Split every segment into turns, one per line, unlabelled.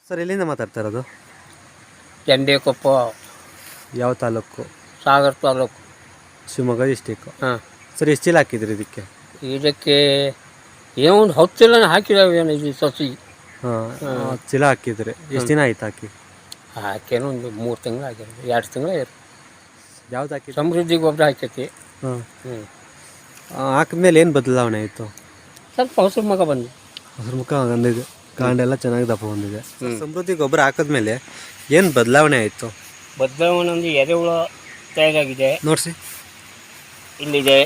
Sir ಎಲ್ಲಿಂದ ಮಾತಾಡ್ತಾ ಇರೋದು?
ಚಂಡೇಕೊಪ್ಪ,
ಯಾವ ತಾಲೂಕು?
ಸಾಗರ ತಾಲೂಕು,
ಶಿವಮೊಗ್ಗ ಡಿಸ್ಟಿಕ್ಕು.
ಹಾಂ.
ಸರ್ ಎಷ್ಟು ಚೀಲ ಹಾಕಿದ್ರಿ ಇದಕ್ಕೆ?
ಇದಕ್ಕೆ ಏನೋ ಒಂದು 10 ಚೀಲ ಹಾಕಿದಾವೇನು ಇದು ಸಸಿ.
ಹಾಂ, ಚೀಲ ಹಾಕಿದ್ರಿ. ಎಷ್ಟು ದಿನ ಆಯ್ತು ಹಾಕಿ?
ಹಾಕೇನೋ ಒಂದು 3 ತಿಂಗಳು ಆಗ್ಯಾರ, 2 ತಿಂಗಳು ಆಗ್ಯಾರ.
ಯಾವ್ದು ಹಾಕಿ?
ಸಮೃದ್ಧಿ ಗೊಬ್ಬರ ಹಾಕೈತಿ.
ಹಾಂ. ಹಾಕಿದ್ಮೇಲೆ ಏನು ಬದಲಾವಣೆ ಆಯಿತು?
ಸ್ವಲ್ಪ ಹಸಿರು ಮಗ ಬಂದು,
ಹಸಿರು ಮುಖ ಬಂದಿದೆ, ಕಾಂಡೆಲ್ಲ ಚೆನ್ನಾಗಿ ದಪ್ಪ ಬಂದಿದೆ. ಸಮೃದ್ಧಿ ಗೊಬ್ಬರ ಹಾಕಿದ್ಮೇಲೆ ಏನು ಬದಲಾವಣೆ ಆಯಿತು?
ಬದಲಾವಣೆ ಒಂದು ಎರೆಹುಳ ತಯಾರಾಗಿದೆ
ನೋಡಿಸಿ.
ಇಲ್ಲಿದೆ.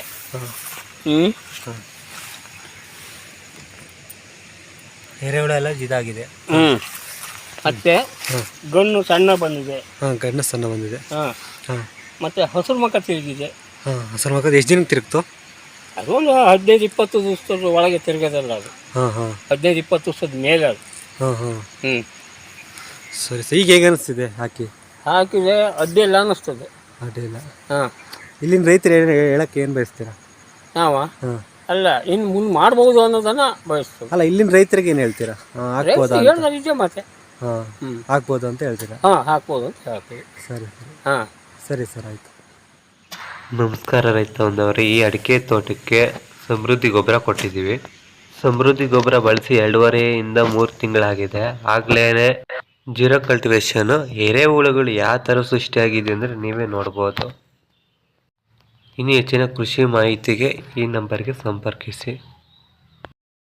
ಎರೆಹುಳ ಎಲ್ಲ ಇದಾಗಿದೆ.
ಮತ್ತೆ ಗಣ್ಣು ಸಣ್ಣ ಬಂದಿದೆ.
ಹಾಂ, ಗಣ್ಣು ಸಣ್ಣ ಬಂದಿದೆ.
ಹಾಂ.
ಹಾಂ.
ಮತ್ತು ಹಸಿರು ಮಕ ತಿರುಗಿದೆ.
ಹಾಂ, ಹಸಿರು ಮಕ್ಕದ ಎಷ್ಟು ದಿನಕ್ಕೆ ತಿರುಗ್ತು?
ಅದು ಒಂದು 15-20 ದಿವಸದ ಒಳಗೆ ತಿರುಗೋದಲ್ಲ ಅದು.
ಹಾಂ ಹಾಂ.
15-20 ದಿವಸದ ಮೇಲೆ ಅದು.
ಹಾಂ ಹಾಂ.
ಸರಿ.
ಈಗ ಹೇಗೆ ಅನಿಸ್ತಿದೆ
ಹಾಕಿದೆ ಅಡ್ಡಿಲ್ಲ ಅನ್ನಿಸ್ತದೆ.
ಅಡ್ಡಿಲ್ಲ.
ಹಾಂ.
ಇಲ್ಲಿನ ರೈತರು ಹೇಳಕ್ಕೆ ಏನು ಬಯಸ್ತೀರಾ?
ನಾವ
ಹಾಂ.
ಅಲ್ಲ, ಇನ್ನು ಮುಂದೆ ಮಾಡ್ಬೋದು ಅನ್ನೋದನ್ನು ಬಯಸ್ತದೆ.
ಅಲ್ಲ, ಇಲ್ಲಿನ ರೈತರಿಗೆ ಏನು ಹೇಳ್ತೀರಾ? ಹಾಕ್ಬೋದಾ?
ಹೇಳಿದೆ ಮತ್ತೆ.
ಹಾಂ, ಹಾಕ್ಬೋದು ಅಂತ ಹೇಳ್ತೀರಾ?
ಹಾಂ, ಹಾಕ್ಬೋದು ಅಂತ ಹೇಳ್ತೀವಿ.
ಸರಿ.
ಹಾಂ,
ಸರಿ ಸರ್, ಆಯಿತು.
ನಮಸ್ಕಾರ ರೈತ ಬಂದವರೇ, ಈ ಅಡಿಕೆ ತೋಟಕ್ಕೆ ಸಮೃದ್ಧಿ ಗೊಬ್ಬರ ಕೊಟ್ಟಿದ್ದೀವಿ. ಸಮೃದ್ಧಿ ಗೊಬ್ಬರ ಬಳಸಿ 2.5 ಇಂದ 3 ತಿಂಗಳಾಗಿದೆ. ಆಗ್ಲೇ ಜೀರೋ ಕಲ್ಟಿವೇಶನ್ ಎರೆಹುಳುಗಳು ಯಾವ ಥರ ಸೃಷ್ಟಿಯಾಗಿದೆ ಅಂದರೆ ನೀವೇ ನೋಡ್ಬೋದು. ಇನ್ನು ಹೆಚ್ಚಿನ ಕೃಷಿ ಮಾಹಿತಿಗೆ ಈ ನಂಬರ್ಗೆ ಸಂಪರ್ಕಿಸಿ.